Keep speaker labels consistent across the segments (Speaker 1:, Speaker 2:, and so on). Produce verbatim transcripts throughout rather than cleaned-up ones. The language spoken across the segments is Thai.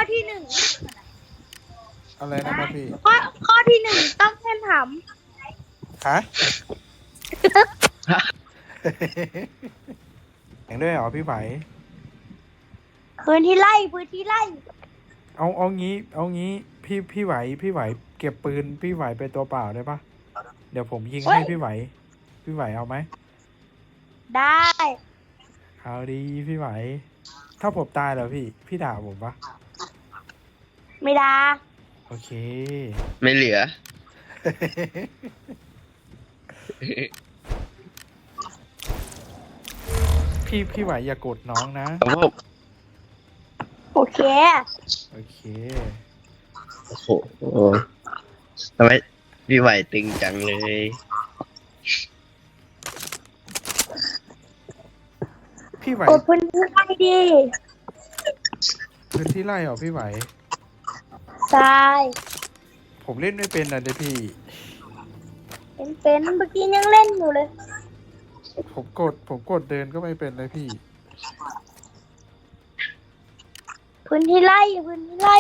Speaker 1: ที่หนึ่ง
Speaker 2: อะไรนะครับพี่
Speaker 1: ข้อข้อที่หนึ่งต้องเล่นถาม
Speaker 2: ฮะ อย่างด้วยเหรอพี่ไหม
Speaker 1: พื้นที่ไล่พื้นที่ไล่
Speaker 2: เอาเอางี้ เอางี้พี่พี่ไหวพี่ไหวเก็บปืนพี่ไหวไปตัวเปล่าได้ปะเดี๋ยวผมยิงให้พี่ไหวพี่ไหวเอาไหม
Speaker 1: ได้
Speaker 2: เอาดีพี่ไหวถ้าผมตายแล้วพี่พี่ด่าผมปะ
Speaker 1: ไม่ได้
Speaker 2: โอเค
Speaker 3: ไม่เหลือ
Speaker 2: พี่พี่ไหวอย่ากดน้องนะครับ
Speaker 3: ผม
Speaker 1: โอเค
Speaker 2: โอเค
Speaker 3: โอ้โหทำไมพี่ไหวตึงจังเลย
Speaker 2: พี่ไหว
Speaker 1: กดพื้นที่ไล่ดิ
Speaker 2: พื้นที่ไล่เหรอพี่ไหว
Speaker 1: ใช่
Speaker 2: ผมเล่นไม่เป็นนะเดี๋ยวพี่
Speaker 1: เป็นเป็นเมื่อกี้ยังเล่นอยู่เลย
Speaker 2: ผมกดผมกดเดินก็ไม่เป็นเลยพี่
Speaker 1: พื้นที่ไล่พื้นที่ไล่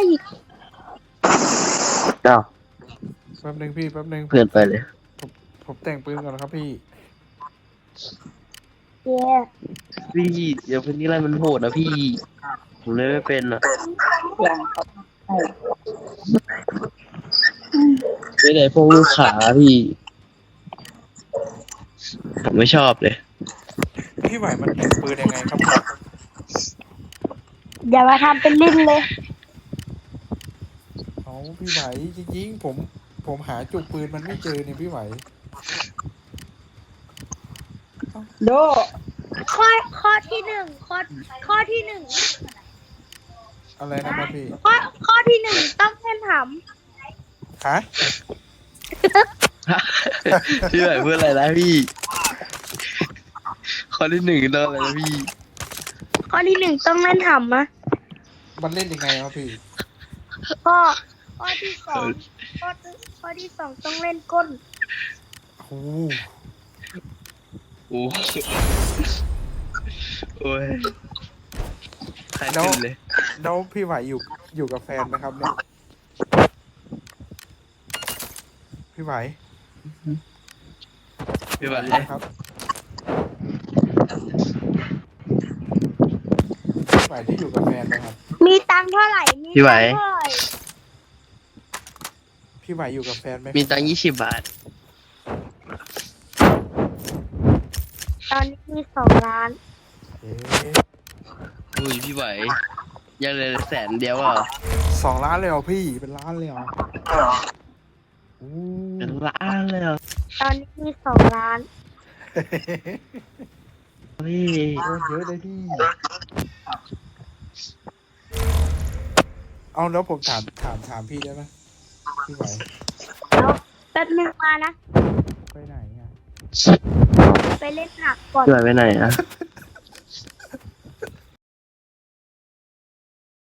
Speaker 3: เจ้า
Speaker 2: แป๊บนึงพี่แป๊บนึง
Speaker 3: เพื่อนไปเลย
Speaker 2: ผมผมแต่งปืนก่อนนะครับพี่
Speaker 1: เย้
Speaker 3: พี่เดี๋ยวพื้นที่ไรมันโหดนะพี่ผมเลยไม่เป็นอ่ะไม่ได้พวกลูกขาพี่ผมไม่ชอบเลย
Speaker 2: พี่ไหวมันแต่งปืนยังไงครับพี่
Speaker 1: อย่ามาทำเป็นลิ้นเลย
Speaker 2: เอาพี่ไหวจริงๆผมผมหาจุกปืนมันไม่เจอเนี่ยพี่ไหว
Speaker 1: โดข้อข้อที่หนึ่งข้อข้อที่หนึ่ง
Speaker 2: อะไรนะครับพี่
Speaker 1: ข้อข้อที่หนึ่งต้องเล่นถาม
Speaker 2: ฮะ
Speaker 3: พี่ไหวเพื่ออะไรนะพี่ข้อที่หนึ่งต้องอะไรนะพี่
Speaker 1: ข้อที่หนึ่งต้องเล่นถามนะ
Speaker 2: มันเล่นยังไงครับพี่
Speaker 1: ข้อข้อที่สองข้อข้อที่สองต้องเล่นก้น
Speaker 2: โอ้
Speaker 3: โหโอ้ยใครขึ้นเลย
Speaker 2: แล้วพี่ไหวอยู่อยู่กับแฟนไหมครับเนี่ยพี่ไหว
Speaker 3: พี่ไหว
Speaker 2: ครับพี่ไหวที่อยู่กับแฟนไหมครับ
Speaker 1: มีตังค์เท่าไหร่มี
Speaker 3: พี่ไหว
Speaker 2: พี่ไหวอยู่กับแฟนไหม
Speaker 3: มีตังค์ยี่สิบบาท
Speaker 1: ตอนนี้มีสองล้าน
Speaker 2: เอ๊ะ
Speaker 3: อุ้ยพี่ไหวยังเลยแสนเดียวอ่ะ
Speaker 2: สองล้านเลยเหรอพี่เป็นล้านเลยเหรอ
Speaker 3: เป็นล้านเลยเหรอ
Speaker 1: ตอนนี้มีสองล้าน
Speaker 3: พี่
Speaker 2: เยอะเลยพี่เอาแล้วผมถามถามถามพี่ได้ไหมพี่ไหว
Speaker 1: แล้วแป๊บนึงมานะ
Speaker 2: ไปไหนอ่ะ
Speaker 1: ไปเล่นผักก่อน
Speaker 3: พี่ไหวไปไหนอ่ะ